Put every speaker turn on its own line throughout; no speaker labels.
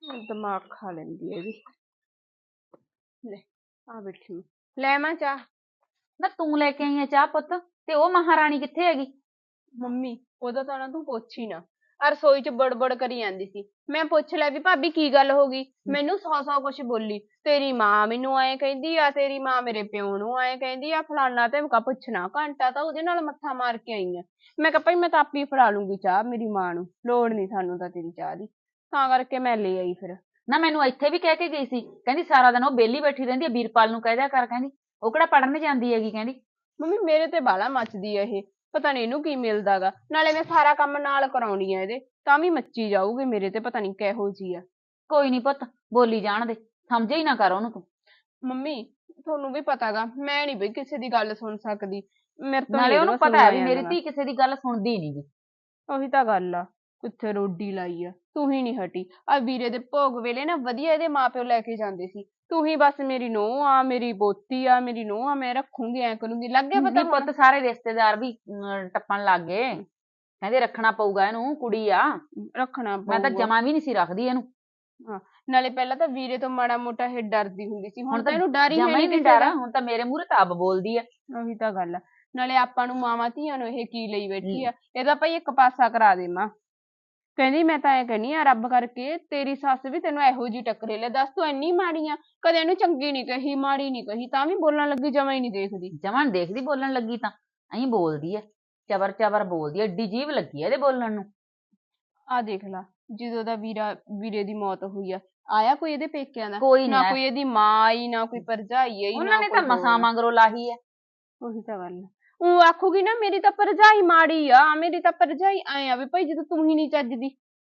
ਦਿਮਾਗ ਖਾ ਲੈਂਦੀ ਹੈ ਵੀ। ਲੈ ਆ ਬੈਠੀ ਮੈਂ, ਲੈ ਮਾਂ ਚਾਹ।
ਨਾ ਤੂੰ ਲੈ ਕੇ ਆਈ ਆ ਚਾਹ ਪੁੱਤ, ਤੇ ਉਹ ਮਹਾਰਾਣੀ ਕਿੱਥੇ ਹੈਗੀ?
ਮੰਮੀ ਉਹਦਾ ਤਾਂ ਨਾ ਤੂੰ ਪੁੱਛ ਹੀ ਨਾ, ਆ ਰਸੋਈ ਚ ਬੜਬੜ ਕਰੀ ਜਾਂਦੀ ਸੀ। ਮੈਂ ਪੁੱਛ ਲਿਆ ਵੀ ਭਾਬੀ ਕੀ ਗੱਲ ਹੋ ਗਈ, ਮੈਨੂੰ ਸੌ ਕੁਛ ਬੋਲੀ। ਤੇਰੀ ਮਾਂ ਮੈਨੂੰ ਐਂ ਕਹਿੰਦੀ ਆ, ਤੇਰੀ ਮਾਂ ਮੇਰੇ ਪਿਓ ਨੂੰ ਐਂ ਕਹਿੰਦੀ ਆ, ਫਲਾਨਾ ਧਮਕਾ। ਪੁੱਛਣਾ ਘੰਟਾ ਤਾਂ ਉਹਦੇ ਨਾਲ ਮੱਥਾ ਮਾਰ ਕੇ ਆਈ ਆ। ਮੈਂ ਕਿਹਾ ਭਾਈ ਮੈਂ ਤਾਂ ਆਪੇ ਫੜਾ ਲੂੰਗੀ ਚਾਹ ਮੇਰੀ ਮਾਂ ਨੂੰ, ਲੋੜ ਨੀ ਸਾਨੂੰ ਤਾਂ ਤੇਰੀ ਚਾਹ ਦੀ। ਤਾਂ ਕਰਕੇ ਮੈਂ ਲੈ ਆਈ ਫਿਰ।
ਨਾ ਮੈਨੂੰ ਇੱਥੇ ਵੀ ਕਹਿ ਕੇ ਗਈ ਸੀ, ਕਹਿੰਦੀ ਸਾਰਾ ਦਿਨ ਉਹ ਵਿਹਲੀ ਬੈਠੀ ਰਹਿੰਦੀ ਆ, ਵੀਰਪਾਲ ਨੂੰ ਕਹਿ ਦਿਆ ਕਰ, ਕਹਿੰਦੀ ਉਹ ਕਿਹੜਾ ਪੜਨ ਜਾਂਦੀ ਹੈਗੀ, ਕਹਿੰਦੀ।
ਮੰਮੀ ਮੇਰੇ ਤੇ ਬਾਲਾ ਮੱਚਦੀ ਆ ਇਹ, ਪਤਾ ਨੀ ਇਹਨੂੰ ਕੀ ਮਿਲਦਾ ਗਾ। ਨਾਲੇ ਮੈਂ ਸਾਰਾ ਕੰਮ ਨਾਲ ਕਰਾਉਣੀ ਆ ਇਹਦੇ, ਤਾਂ ਵੀ ਮੱਚੀ ਜਾਊਗੀ ਮੇਰੇ ਤੇ, ਪਤਾ ਨੀ ਕਿਹੋ ਜੀ ਆ।
ਕੋਈ ਨੀ ਪੁੱਤ, ਬੋਲੀ ਜਾਣ ਦੇ, ਸਮਝੇ ਹੀ ਨਾ ਕਰ ਉਹਨੂੰ ਤੂੰ।
ਮੰਮੀ ਤੁਹਾਨੂੰ ਵੀ ਪਤਾ ਗਾ, ਮੈਂ ਨੀ ਬਈ ਕਿਸੇ ਦੀ ਗੱਲ ਸੁਣ ਸਕਦੀ, ਮੇਰੇ ਤੋਂ ਨੀ
ਨਾਲੇ ਉਹਨੂੰ
ਇਹਦੀਆਂ
ਪਤਾ ਹੈ ਵੀ
ਸੁਣੀਆਂ
ਮੇਰੀ
ਜਾਂਦੀਆਂ।
ਧੀ ਕਿਸੇ ਦੀ ਗੱਲ ਸੁਣਦੀ ਨੀ ਗੀ।
ਉਹੀ ਤਾਂ ਗੱਲ ਆ, ਕਿੱਥੇ ਰੋਡੀ ਲਾਈ ਆ, ਤੂੰ ਹੀ ਨੀ ਹਟੀ। ਆ ਵੀਰੇ ਦੇ ਭੋਗ ਵੇਲੇ ਨਾ ਵਧੀਆ ਇਹਦੇ ਮਾਪਿਓ ਲੈ ਕੇ ਜਾਂਦੇ ਸੀ, ਤੂੰ ਹੀ ਬਸ ਮੇਰੀ ਨੂੰਹ ਆ, ਮੇਰੀ ਪੋਤੀ ਆ, ਮੇਰੀ ਨੂੰਹ ਆ, ਮੈਂ ਰੱਖੂੰਗੀ ਐ ਕਰੂੰਗੀ, ਲੱਗ ਗਿਆ ਪਤਾ
ਨੀ
ਹੁਣ।
ਪੁੱਤ ਸਾਰੇ ਰਿਸ਼ਤੇਦਾਰ ਵੀ ਟੱਪਣ ਲੱਗ ਗਏ, ਕਹਿੰਦੇ ਰੱਖਣਾ ਪਊਗਾ ਇਹਨੂੰ, ਕੁੜੀ ਆ।
ਰੱਖਣਾ
ਮੈਂ ਤਾਂ
ਪਊਗਾ।
ਜਮਾ ਵੀ ਨੀ ਸੀ ਰੱਖਦੀ ਇਹਨੂੰ।
ਹਾਂ, ਨਾਲੇ ਪਹਿਲਾਂ ਤਾਂ ਵੀਰੇ ਤੋਂ ਮਾੜਾ ਮੋਟਾ ਇਹ ਡਰਦੀ ਹੁੰਦੀ ਸੀ, ਹੁਣ
ਤਾਂ
ਤਾਂ ਇਹਨੂੰ ਡਰ ਹੀ ਹੈ
ਜਮਾ ਹੀ
ਨੀ
ਨੀ
ਕਿਸੇ
ਡਰ,
ਦਾ।
ਹੁਣ ਤਾਂ ਮੇਰੇ ਮੂਹਰੇ ਤਾਂ ਆਪ ਬੋਲਦੀ ਆ।
ਉਹੀ ਤਾਂ ਗੱਲ ਆ, ਨਾਲੇ ਆਪਾਂ ਨੂੰ ਮਾਵਾਂ ਧੀਆਂ ਨੂੰ ਇਹ ਕੀ ਲਈ ਬੈਠੀ ਆ, ਇਹਦਾ ਭਾਈ ਇੱਕ ਪਾਸਾ ਕਰਾ ਦੇ ਮਾਂ। ਕਹਿੰਦੀ ਮੈਂ ਤਾਂ ਐ ਕਹਿੰਦੀ ਆ, ਰੱਬ ਕਰਕੇ ਤੇਰੀ ਸੱਸ ਵੀ ਤੈਨੂੰ ਇਹੋ ਜਿਹੀ ਟੱਕਰੇ, ਲੈ ਦੱਸ ਤੂੰ ਇੰਨੀ ਮਾੜੀ ਆ। ਕਦੇ ਇਹਨੂੰ ਚੰਗੀ ਨੀ ਕਹੀ, ਮਾੜੀ ਨੀ ਕਹੀ, ਤਾਂ ਵੀ ਬੋਲਣ ਲੱਗੀ ਜਮਾ ਹੀ ਨੀ ਦੇਖਦੀ।
ਜਮਾ ਨੀ ਦੇਖਦੀ, ਬੋਲਣ ਲੱਗੀ ਤਾਂ ਐਂ ਬੋਲਦੀ ਐ, ਚਬਰ ਚਬਰ ਬੋਲਦੀ ਐ, ਏਡੀ ਜੀਭ ਲੱਗੀ ਐ ਇਹਦੇ ਬੋਲਣ ਨੂੰ।
ਆ ਦੇਖ ਲਾ, ਜਦੋਂ ਦਾ ਵੀਰੇ ਦੀ ਮੌਤ ਹੋਈ ਆ, ਆਇਆ ਕੋਈ ਇਹਦੇ ਪੇਕਿਆਂ ਦਾ?
ਕੋਈ ਨੀ
ਨਾ
ਆਇਆ,
ਕੋਈ ਇਹਦੀ ਮਾਂ ਆਈ, ਨਾ ਕੋਈ ਭਰਜਾਈ ਆਈ,
ਉਹਨਾਂ
ਨਾ
ਨੇ ਤਾਂ
ਕੋਈ
ਮਸਾਂ
ਹੋਰ।
ਮਗਰੋਂ ਲਾਹੀ ਐ।
ਉਹੀ ਤਾਂ ਗੱਲ ਆ, ਉਹ ਆਖੂਗੀ ਨਾ ਮੇਰੀ ਤਾਂ ਭਰਜਾਈ ਮਾੜੀ ਆ, ਮੇਰੀ ਤਾਂ ਭਰਜਾਈ ਐ ਆ ਵੀ ਭਾਈ ਜਦੋਂ ਤੂੰ ਹੀ ਨੀ ਚੱਜਦੀ।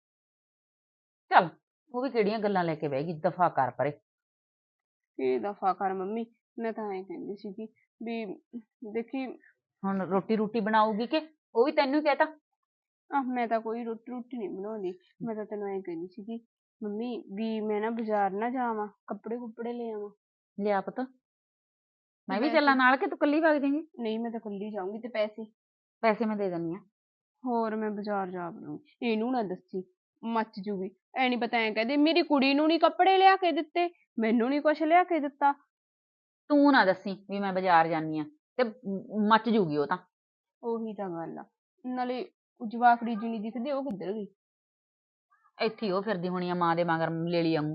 ਚੱਲ ਉਹ ਵੀ ਕਿਹੜੀਆਂ ਗੱਲਾਂ ਲੈ ਕੇ ਬਹਿ ਗਈ, ਦਫਾ ਕਰ ਪਰੇ।
ਕੀ ਦਫਾ ਕਰ ਮੰਮੀ, ਮੈਂ ਤਾਂ ਐਂ ਕਹਿੰਦੀ ਸੀਗੀ ਵੀ ਦੇਖੀ।
ਹੁਣ ਰੋਟੀ ਰੂਟੀ ਬਣਾਉਗੀ ਕਿ ਉਹ ਵੀ ਤੈਨੂੰ ਹੀ ਕਹਿਤਾ?
ਮੈਂ ਤਾਂ ਕੋਈ ਰੋਟੀ ਨੀ ਬਣਾਉਂਦੀ, ਮੈਂ ਤਾਂ ਤੈਨੂੰ ਐਂ ਕਹਿੰਦੀ ਸੀਗੀ ਮੰਮੀ ਵੀ ਮੈਂ ਨਾ ਬਾਜ਼ਾਰ ਨਾ ਜਾਵਾਂ, ਕੱਪੜੇ ਕੁੱਪੜੇ ਲੈ ਆਵਾਂ।
ਲਿਆ ਪੁੱਤ,
ਤੇ
ਮੈਂ ਵੀ ਚੱਲਾਂ
ਪੈਸੇ?
ਨਾਲ ਕਿ ਤੂੰ ਕੱਲੀ ਵਗ ਜਾਏਂਗੀ?
ਨਹੀਂ ਮੈਂ ਤਾਂ ਕੱਲੀ ਜਾਊਂਗੀ, ਤੇ ਪੈਸੇ?
ਪੈਸੇ ਮੈਂ ਦੇ ਦਿੰਦੀ ਆ।
ਹੋਰ ਮੈਂ ਬਾਜ਼ਾਰ ਜਾ ਵੜੂੰਗੀ, ਇਹਨੂੰ ਨਾ ਦੱਸੀ, ਮੱਚ ਜੂਗੀ। ਐ ਨੀ ਪਤਾ, ਐਂ ਕਹਦੇ ਮੇਰੀ ਕੁੜੀ ਨੂੰ ਨੀ ਕੱਪੜੇ ਲਿਆ ਕੇ ਦਿੱਤੇ, ਮੈਨੂੰ ਨੀ ਕੁਛ ਲਿਆ ਕੇ ਦਿੱਤਾ।
ਤੂੰ ਨਾ ਦੱਸੀ ਵੀ ਮੈਂ ਬਾਜ਼ਾਰ ਜਾਨੀ ਆ, ਤੇ ਮੱਚ ਜੂਗੀ ਉਹ ਤਾਂ।
ਉਹੀ ਤਾਂ ਗੱਲ ਆ, ਨਾਲੇ ਜਵਾਕੜੀ ਜੀ ਨੀ ਦਿਖਦੀ, ਉਹ ਕਿੱਧਰ ਗਈ?
ਇੱਥੇ ਹੀ ਉਹ ਫਿਰਦੀ ਹੋਣੀ ਆ ਮਾਂ ਦੇ ਮਗਰ ਲੇਲੀ ਵਾਂਗੂ।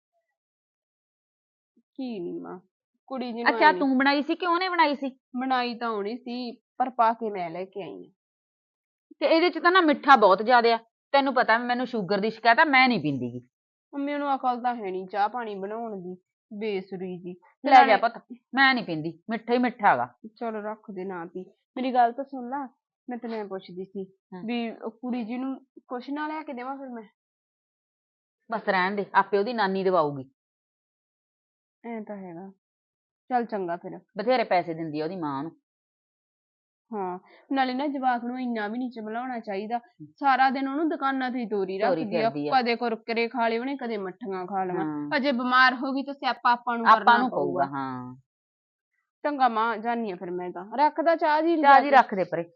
ਕੀ ਨੀ ਮਾਂ, ਕੁੜੀ ਜੀ ਨੂੰ
ਅੱਛਾ
ਐ ਨੀ।
ਤੂੰ ਬਣਾਈ ਸੀ ਕਿ ਉਹਨੇ ਬਣਾਈ ਸੀ?
ਬਣਾਈ ਤਾਂ ਹੋਣੀ ਸੀ, ਪਰ ਪਾ ਕੇ ਮੈਂ ਲੈ ਕੇ ਆਈ ਆ।
ਤੇ ਇਹਦੇ ਚ ਤਾਂ ਨਾ ਮਿੱਠਾ ਬਹੁਤ ਜ਼ਿਆਦਾ ਆ, ਤੈਨੂੰ ਪਤਾ ਮੈਨੂੰ ਸ਼ੂਗਰ ਦੀ ਸ਼ਿਕਾਇਤ ਆ, ਮੈਂ ਨਹੀਂ ਪੀਂਦੀ ਗੀ।
ਮੰਮੀ ਨੂੰ ਅਕਲ ਤਾਂ ਹੈ ਨੀ ਚਾਹ ਪਾਣੀ ਬਣਾਉਣ ਦੀ, ਬੇਸੁਰੀ ਜੀ। ਤੇ
ਲੈ ਜਾ
ਨਾਲੇ
ਪੁੱਤ, ਮੈਂ ਨਹੀਂ ਪੀਂਦੀ, ਮਿੱਠਾ ਹੀ ਮਿੱਠਾ ਹੈਗਾ।
ਚਲੋ ਰੱਖ ਦੇ ਨਾ ਪੀ, ਮੇਰੀ ਗੱਲ ਤਾਂ ਸੁਣ ਲਾ। ਮੈਂ ਤੈਨੂੰ ਐਂ ਪੁੱਛਦੀ ਸੀ ਵੀ ਉਹ ਕੁੜੀ ਜੀ ਨੂੰ ਕੁਛ ਨਾ ਲਿਆ ਕੇ ਦੇਵਾਂ ਫਿਰ ਮੈਂ?
ਬਸ ਰਹਿਣ ਦੇ, ਆਪੇ ਉਹਦੀ ਨਾਨੀ ਦਵਾਊਗੀ।
ਐਂ ਤਾਂ ਹੈਗਾ, ਚੱਲ ਚੰਗਾ ਫਿਰ।
ਬਥੇਰੇ ਪੈਸੇ ਦਿੰਦੀ ਆ ਉਹਦੀ ਮਾਂ ਨੂੰ।
ਹਾਂ, ਨਾਲੇ ਨਾ ਜਵਾਕ ਨੂੰ ਇੰਨਾ ਵੀ ਨੀ ਚਮਲਾਉਣਾ ਚਾਹੀਦਾ, ਸਾਰਾ ਦਿਨ ਉਹਨੂੰ ਦੁਕਾਨਾਂ ਤੇ ਹੀ ਤੋਰੀ ਰੱਖਦੀ ਆ,
ਫਿਰਦੀ
ਕਦੇ ਕੁਰਕਰੇ ਖਾ ਲਏ ਉਹਨੇ, ਕਦੇ ਮੱਠੀਆਂ ਖਾ ਲਈਆਂ।
ਹਾਂ,
ਅਜੇ ਬਿਮਾਰ ਹੋ ਗਈ ਤਾਂ ਸਿਆਪਾ ਆਪਾਂ ਨੂੰ
ਆਪਾਂ
ਕਰਨਾ
ਨੂੰ ਪਊਗਾ।
ਪਊਗਾ।
ਹਾਂ,
ਚੰਗਾ ਮਾਂ, ਜਾਨੀ ਆ ਫਿਰ ਮੈਂ ਤਾਂ, ਰੱਖਦਾ ਚਾਹ ਜੀ
ਚਾਹ
ਲਿਜਾ
ਜੀ
ਕੇ।
ਰੱਖ ਦੇ ਪਰੇ।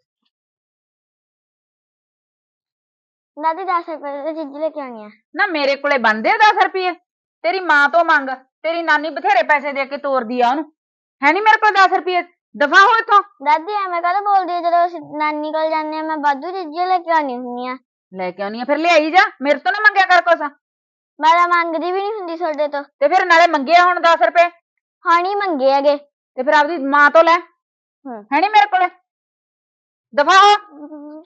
ਦਾਦੀ 10 ਰੁਪਏ ਦੀ ਚੀਜ਼ ਲੈ ਕੇ ਆਉਣੀ ਆ।
ਨਾ ਮੇਰੇ ਕੋਲੇ ਬਣਦੇ ਆ 10 ਰੁਪਏ, ਤੇਰੀ ਮਾਂ ਤੋਂ ਮੰਗ, ਤੇਰੀ ਨਾਨੀ ਬਥੇਰੇ ਪੈਸੇ ਦੇ ਕੇ ਤੋਰਦੀ ਆ ਉਹਨੂੰ, ਹੈ ਨੀ ਮੇਰੇ ਕੋਲ 10 ਰੁਪਏ, ਦਫਾ ਹੋ ਇੱਥੋਂ।
ਦਾਦੀ ਐਵੇਂ ਕਾਹਤੋਂ ਬੋਲਦੀ ਆ, ਜਦੋਂ ਅਸੀਂ ਨਾਨੀ ਕੋਲ ਜਾਂਦੇ ਆ ਮੈਂ ਵਾਧੂ ਚੀਜ਼ਾਂ ਲੈ ਕੇ ਆਉਣੀ ਹੁੰਦੀ ਆ।
ਲੈ ਕੇ ਆਉਣੀ ਆ ਫਿਰ ਲਿਆਈ ਜਾ, ਮੇਰੇ ਤੋਂ ਨਾ ਮੰਗਿਆ ਕਰ ਕੁਛ।
ਮੈਂ ਤਾਂ ਮੰਗਦੀ ਵੀ ਨਹੀਂ ਹੁੰਦੀ ਤੁਹਾਡੇ ਤੋਂ।
ਤੇ ਫਿਰ ਨਾਲੇ ਮੰਗੇ ਹੁਣ 10 ਰੁਪਏ,
ਹਾਂ ਨੀ ਮੰਗੇ ਹੈਗੇ।
ਤੇ ਫਿਰ ਆਪਦੀ ਮਾਂ ਤੋਂ ਲੈ, ਹੈ ਨੀ ਮੇਰੇ ਕੋਲੇ, ਦਫਾ ਹੋ।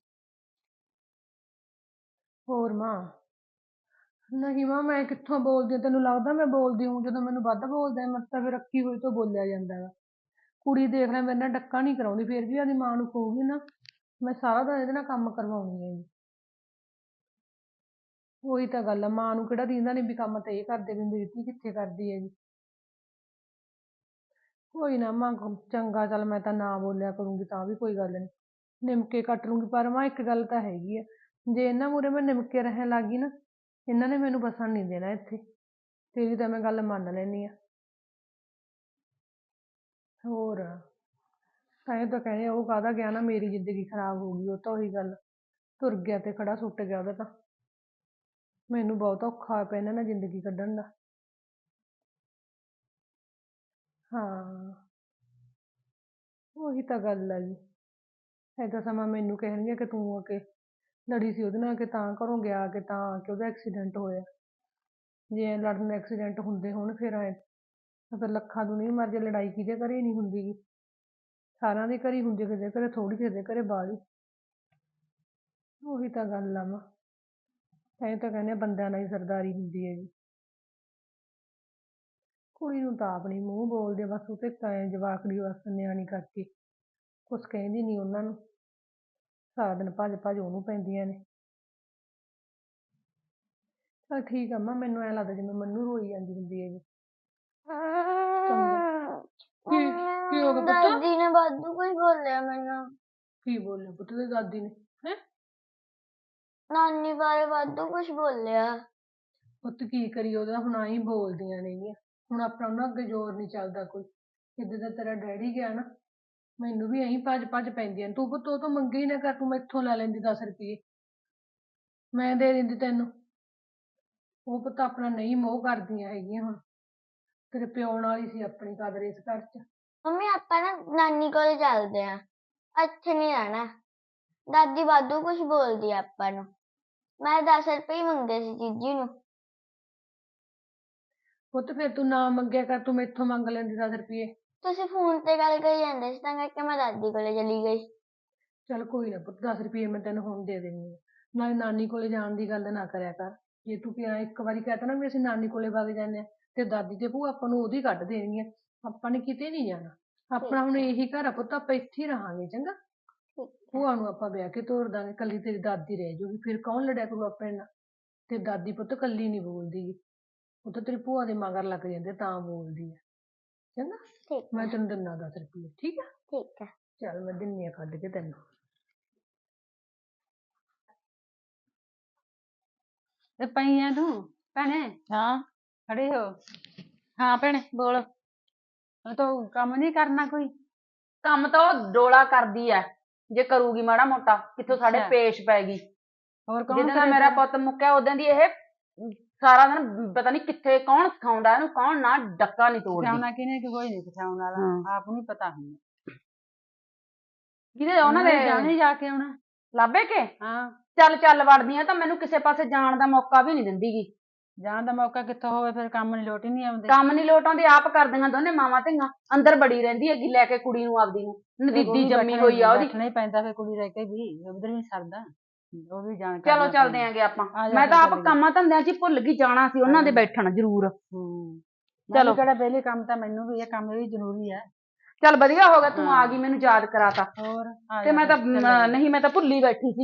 ਹੋਰ ਮਾਂ? ਨਹੀਂ ਮਾਂ, ਮੈਂ ਕਿੱਥੋਂ ਬੋਲਦੀ ਹਾਂ? ਤੈਨੂੰ ਲੱਗਦਾ ਮੈਂ ਬੋਲਦੀ ਹੂੰ? ਜਦੋਂ ਮੈਨੂੰ ਵੱਧ ਬੋਲਦੇ ਮੈਂ ਤਾਂ ਫਿਰ ਰੱਖੀ ਹੋਈ ਤੋਂ ਬੋਲਿਆ ਜਾਂਦਾ ਗਾ। ਕੁੜੀ ਦੇਖ ਲੈ ਮੇਰੇ ਨਾਲ ਡੱਕਾ ਨਹੀਂ ਕਰਾਉਂਦੀ, ਫਿਰ ਵੀ ਆਪਦੀ ਮਾਂ ਨੂੰ ਕਹੂਗੀ ਨਾ, ਮੈਂ ਸਾਰਾ ਦਿਨ ਇਹਦੇ ਨਾਲ ਕੰਮ ਕਰਵਾਉਣੀ ਹੈ ਜੀ। ਉਹੀ ਤਾਂ ਗੱਲ ਆ, ਮਾਂ ਨੂੰ ਕਿਹੜਾ ਦੀਂਦਾ ਨਹੀਂ ਵੀ ਕੰਮ ਤਾਂ ਇਹ ਕਰਦੇ, ਵੀ ਮੇਰੀ ਧੀ ਕਿੱਥੇ ਕਰਦੀ ਹੈ ਜੀ। ਕੋਈ ਨਾ ਮਾਂ, ਚੰਗਾ ਚੱਲ ਮੈਂ ਤਾਂ ਨਾ ਬੋਲਿਆ ਕਰੂੰਗੀ, ਤਾਂ ਵੀ ਕੋਈ ਗੱਲ ਨਹੀਂ, ਨਿਮਕੇ ਕੱਟ ਲੂੰਗੀ। ਪਰ ਮਾਂ ਇੱਕ ਗੱਲ ਤਾਂ ਹੈਗੀ ਆ, ਜੇ ਇਹਨਾਂ ਮੂਹਰੇ ਮੈਂ ਨਿਮਕੇ ਰਹਿਣ ਲੱਗ ਗਈ ਨਾ, ਇਹਨਾਂ ਨੇ ਮੈਨੂੰ ਵਸਣ ਨਹੀਂ ਦੇਣਾ ਇੱਥੇ। ਤੇਰੀ ਤਾਂ ਮੈਂ ਗੱਲ ਮੰਨ ਲੈਂਦੀ ਆ। ਹੋਰ ਤਾਂ ਇਹ ਤਾਂ ਕਹਿੰਦੇ ਉਹ ਕਾਹਦਾ ਗਿਆ ਨਾ, ਮੇਰੀ ਜ਼ਿੰਦਗੀ ਖਰਾਬ ਹੋ ਗਈ, ਉਹ ਤਾਂ ਉਹੀ ਗੱਲ, ਤੁਰ ਗਿਆ ਤੇ ਖੜਾ ਸੁੱਟ ਗਿਆ ਉਹਦਾ ਤਾਂ। ਮੈਨੂੰ ਬਹੁਤ ਔਖਾ ਹੋਇਆ ਪਿਆ ਇਹਨਾਂ ਨਾਲ ਜ਼ਿੰਦਗੀ ਕੱਢਣ ਦਾ। ਹਾਂ ਉਹੀ ਤਾਂ ਗੱਲ ਆ ਜੀ। ਏਦਾਂ ਸਮਾਂ ਮੈਨੂੰ ਕਹਿਣਗੇ ਕਿ ਤੂੰ ਆ ਕੇ ਲੜੀ ਸੀ ਉਹਦੇ ਨਾਲ, ਕਿ ਤਾਂ ਘਰੋਂ ਗਿਆ, ਕਿ ਤਾਂ ਆ ਕੇ ਉਹਦਾ ਐਕਸੀਡੈਂਟ ਹੋਇਆ। ਜੇ ਐਂ ਲੜਨ ਨਾਲ ਐਕਸੀਡੈਂਟ ਹੁੰਦੇ ਹੋਣ ਫਿਰ ਐਂ ਫਿਰ ਲੱਖਾਂ ਦੁਨੀਆ ਮਰ ਜੇ, ਲੜਾਈ ਕਿਹਦੇ ਘਰੇ ਨਹੀਂ ਹੁੰਦੀ ਗੀ। ਸਾਰਿਆਂ ਦੇ ਘਰੇ ਹੁੰਦੀ, ਕਿਸੇ ਦੇ ਘਰੇ ਥੋੜ੍ਹੀ, ਕਿਸੇ ਦੇ ਘਰੇ ਬਾਹਲੀ। ਉਹੀ ਤਾਂ ਗੱਲ ਆ ਮਾਂ। ਐਂ ਤਾਂ ਕਹਿੰਦੇ ਆ ਬੰਦਿਆਂ ਨਾਲ ਹੀ ਸਰਦਾਰੀ ਹੁੰਦੀ ਹੈ ਜੀ। ਕੁੜੀ ਨੂੰ ਤਾਂ ਆਪ ਨੀ ਮੂੰਹ ਬੋਲਦੇ, ਬਸ ਉਹ ਤੇ ਐਂ ਜਵਾਕੜੀ ਬਸ ਨਿਆਣੀ ਕਰਕੇ ਕੁਛ ਕਹਿੰਦੀ ਨਹੀਂ ਉਹਨਾਂ ਨੂੰ। ਸਾਰਾ ਦਿਨ ਭੱਜ ਭੱਜ ਉਹਨੂੰ ਪੈਂਦੀਆਂ ਨੇ। ਚੱਲ ਠੀਕ ਆ ਮਾਂ, ਮੈਨੂੰ ਐਂ ਲੱਗਦਾ ਜਿਵੇਂ ਮੰਨੂ ਰੋਈ ਜਾਂਦੀ ਹੁੰਦੀ ਹੈ ਜੀ। ਚੰਗਾ। ਕੀ ਹੋ ਗਿਆ ਪੁੱਤ?
ਦਾਦੀ ਨੇ ਵਾਧੂ ਕੁਝ ਬੋਲਿਆ ਮੈਨੂੰ।
ਕੀ ਬੋਲਿਆ ਪੁੱਤ ਤੇ ਦਾਦੀ ਨੇ? ਹੈਂ?
ਨਾਨੀ ਬਾਰੇ ਵਾਧੂ ਕੁਝ ਬੋਲਿਆ।
ਪੁੱਤ ਕੀ ਕਰੀਏ, ਉਹਦਾ ਹੁਣ ਆਈ ਬੋਲਦੀਆਂ ਨੇਗੀਆਂ। ਹੁਣ ਆਪਣਾ ਉਹਨਾਂ ਅੱਗੇ ਜ਼ੋਰ ਨਹੀਂ ਚੱਲਦਾ ਕੋਈ। ਜਿੱਦਾਂ ਦਾ ਤੇਰਾ ਡੈਡੀ ਗਿਆ ਨਾ, ਮੈਨੂੰ ਵੀ ਐਂ ਭੱਜ ਭੱਜ ਪੈਂਦੀਆਂ ਨੇ। ਤੂੰ ਪੁੱਤ ਉਹ ਤੋਂ ਮੰਗੇ ਹੀ ਨਾ ਕਰ, ਤੂੰ ਮੈਥੋਂ ਲੈ ਲੈਂਦੀ 10 ਰੁਪਏ, ਮੈਂ ਦੇ ਦਿੰਦੀ ਤੈਨੂੰ। ਉਹ ਪੁੱਤ ਆਪਣਾ ਨਹੀਂ ਮੋਹ ਕਰਦੀਆਂ ਹੈਗੀਆਂ ਹੁਣ। ਤੇਰੇ ਪਿਓ ਨਾਲ ਹੀ ਸੀ ਆਪਣੀ ਕਦਰ ਇਸ ਘਰ 'ਚ।
ਮੰਮੀ ਆਪਾਂ ਨਾ ਨਾਨੀ ਕੋਲ ਚੱਲਦੇ ਆ, ਇੱਥੇ ਨਹੀਂ ਰਹਿਣਾ। ਦਾਦੀ ਵਾਧੂ ਕੁਝ ਬੋਲਦੀ ਆ ਆਪਾਂ ਨੂੰ। ਮੈਂ 10 ਰੁਪਏ ਹੀ ਮੰਗੇ ਸੀ ਜੀਜੀ ਨੂੰ।
ਪੁੱਤ ਫਿਰ ਤੂੰ ਨਾ ਮੰਗਿਆ ਕਰ, ਤੂੰ ਮੈਥੋਂ ਮੰਗ ਲੈਂਦੀ 10 ਰੁਪਏ।
ਤੁਸੀਂ ਫੋਨ ਤੇ ਗੱਲ ਕਰੀ ਜਾਂਦੇ ਸੀ ਤਾਂ ਕਰਕੇ ਮੈਂ ਦਾਦੀ ਕੋਲੇ ਚਲੀ ਗਈ।
ਚੱਲ ਕੋਈ ਨਾ ਪੁੱਤ, 10 ਰੁਪਏ ਮੈਂ ਤੈਨੂੰ ਹੁਣ ਦੇ ਦਿੰਦੀ ਹਾਂ। ਨਾਲੇ ਨਾਨੀ ਕੋਲੇ ਜਾਣ ਦੀ ਗੱਲ ਨਾ ਕਰਿਆ ਕਰ। ਜੇ ਤੂੰ ਕਿਹਾ ਇੱਕ ਵਾਰੀ ਕਹਿ ਤਾ ਨਾ ਵੀ ਅਸੀਂ ਨਾਨੀ ਕੋਲੇ ਵਗ ਜਾਂਦੇ ਹਾਂ, ਤੇ ਦਾਦੀ ਤੇ ਭੂਆ ਆਪਾਂ ਨੂੰ ਉਹਦੀ ਕੱਢ ਦੇਣਗੀਆਂ। ਆਪਾਂ ਨੇ ਕਿਤੇ ਨਹੀਂ ਜਾਣਾ। ਆਪਣਾ ਹੁਣ ਇਹੀ ਘਰ ਆ ਪੁੱਤ, ਆਪਾਂ ਇੱਥੇ ਹੀ ਰਹਾਂਗੇ। ਚੰਗਾ, ਭੂਆ ਨੂੰ ਆਪਾਂ ਵਿਆਹ ਕੇ ਤੋਰ ਦਾਂਗੇ, ਕੱਲੀ ਤੇਰੀ ਦਾਦੀ ਰਹਿ ਜਾਊਗੀ। ਫਿਰ ਕੌਣ ਲੜਿਆ ਕਰੂ ਆਪਣੇ ਨਾਲ? ਤੇ ਦਾਦੀ ਪੁੱਤ ਕੱਲੀ ਨਹੀਂ ਬੋਲਦੀ ਗੀ, ਉਹ ਤਾਂ ਤੇਰੀ ਭੂਆ ਦੇ ਮਗਰ ਲੱਗ ਜਾਂਦੇ ਤਾਂ ਬੋਲਦੀ ਆ। ਚੰਗਾ,
ਠੀਕ
ਮੈਂ
ਆ।
ਤੈਨੂੰ ਦਿੰਦਾ 10 ਰੁਪਏ, ਠੀਕ ਆ?
ਠੀਕ ਆ।
ਚੱਲ ਮੈਂ ਦਿੰਦੀ ਆ ਕੱਢ ਕੇ ਤੈਨੂੰ।
ਤੇ ਪਈ ਆ ਤੂੰ ਭੈਣੇ? ਹਾਂ ਖੜੀ ਹੋ। ਹਾਂ ਭੈਣੇ ਬੋਲ। ਤੂੰ ਕੰਮ ਨਹੀਂ ਕਰਨਾ ਕੋਈ? ਕੰਮ ਤਾਂ ਉਹ ਡੋਲਾ ਕਰਦੀ ਐ, ਜੇ ਕਰੂਗੀ ਮਾੜਾ ਮੋਟਾ ਕਿੱਥੋਂ ਸਾਡੇ ਪੇਸ਼ ਪੈ ਗਈ। ਹੋਰ ਕੌਣ? ਜਿੱਦਾਂ ਦਾ ਮੇਰਾ ਪੁੱਤ ਮੁੱਕਿਆ ਉਦੋਂ ਦੀ ਇਹ ਸਾਰਾ ਦਿਨ ਪਤਾ ਨਹੀਂ ਕਿੱਥੇ, ਕੌਣ ਸਿਖਾਉਂਦਾ ਇਹਨੂੰ, ਕੌਣ ਨਾ ਡੱਕਾ ਨਹੀਂ ਤੋੜਦੀ। ਸਿਖਾਉਣਾ ਕਿਹਨੇ? ਕੋਈ ਨਹੀਂ ਸਿਖਾਉਣ ਵਾਲਾ, ਆਪ ਨੂੰ ਪਤਾ ਹੁੰਦਾ। ਕਿਹਦੇ? ਉਹਨਾਂ ਦੇ ਜਾਣੇ ਜਾ ਕੇ ਆਉਣਾ ਲਾਭੇ ਕੇ। ਹਾਂ ਚੱਲ ਚੱਲ ਵੜਦੀ ਆ, ਤਾਂ ਮੈਨੂੰ ਕਿਸੇ ਪਾਸੇ ਜਾਣ ਦਾ ਮੌਕਾ ਵੀ ਨਹੀਂ ਦਿੰਦੀ ਗੀ। ਜਾਣ ਦਾ ਮੌਕਾ ਕਿੱਥੋਂ ਹੋਵੇ, ਫਿਰ ਕੰਮ ਨਹੀਂ ਲੋਟ ਹੀ ਨਹੀਂ ਆਉਂਦੇ। ਕੰਮ ਨਹੀਂ ਲੋਟ ਆਉਂਦੇ, ਆਪ ਕਰਦੀਆਂ ਦੋਨੇ ਮਾਵਾਂ ਧੀਆਂ। ਅੰਦਰ ਬੜੀ ਰਹਿੰਦੀ ਹੈਗੀ ਲੈ ਕੇ ਕੁੜੀ ਨੂੰ ਆਪਦੀ ਨੂੰ, ਨਦੀਦੀ ਜੰਮੀ ਹੋਈ ਆ ਉਹਦੀ। ਬੈਠਣਾ ਹੀ ਪੈਂਦਾ ਫਿਰ ਕੁੜੀ ਰਹਿ ਕੇ ਵੀ, ਉਧਰ ਵੀ ਸਰਦਾ। ਉਹ ਵੀ ਜਾਣ। ਚਲੋ ਚੱਲਦੇ ਆਂਗੇ ਆਪਾਂ। ਮੈਂ ਤਾਂ ਆਪ ਕੰਮਾਂ ਧੰਦਿਆਂ 'ਚ ਹੀ ਭੁੱਲ ਗਈ, ਜਾਣਾ ਸੀ ਉਹਨਾਂ ਦੇ ਬੈਠਣ ਜ਼ਰੂਰ। ਚਲੋ ਕਿਹੜਾ ਵਿਹਲੇ, ਕੰਮ ਤਾਂ ਮੈਨੂੰ ਵੀ ਇਹ ਕੰਮ ਵੀ ਜ਼ਰੂਰੀ ਹੈ। ਚੱਲ ਵਧੀਆ ਹੋ ਗਿਆ ਤੂੰ ਆ ਗਈ, ਮੈਨੂੰ ਯਾਦ ਕਰਾਤਾ। ਹੋਰ ਤੇ ਮੈਂ ਤਾਂ ਨਹੀਂ, ਮੈਂ ਤਾਂ ਭੁੱਲੀ ਬੈਠੀ ਸੀ।